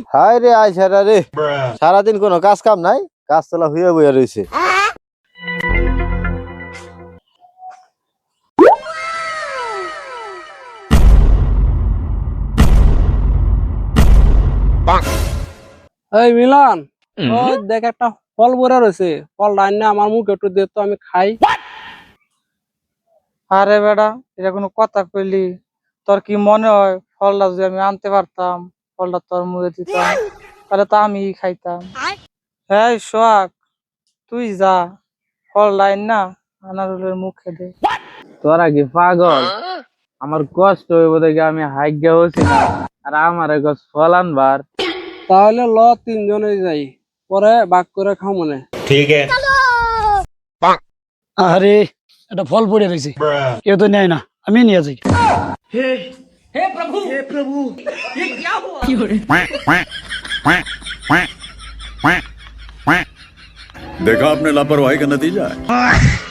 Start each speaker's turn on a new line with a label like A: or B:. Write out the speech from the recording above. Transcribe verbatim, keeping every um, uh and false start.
A: High রে আয় সারা রে, সারাদিন কোনো কাজ কাম নাই, কাজ তোলা হইয়া বইয়া রয়েছে।
B: এই মিলন, ওই দেখ একটা ফল পড়ে রয়েছে, ফল রান্না আমার মুখে একটু দে তো আমি খাই।
C: আরে বেটা, এটা কোনো কথা কইলি? তোর কি মনে হয় ফলটা যদি আমি আনতে পারতাম, ফলটা তোর মুখে দিতাম, তাহলে তো আমি খাইতাম। হ্যাঁ সোহাগ, তুই যা, ফল লাইন না আনারুলের মুখে দে।
D: তোরা কি পাগল? আমার কষ্ট হইব দেখে আমি হাইগা হচ্ছি না, আর আমার গছ ফল আনবার।
B: তাহলে ল তিনজনে যাই, পরে বাক করে খাও মনে।
E: আরে এটা ফল পড়ে রয়েছে, কেউ তো নেয় না, আমি নিয়ে যাই।
F: देखा आपने लापरवाही का नतीजा है।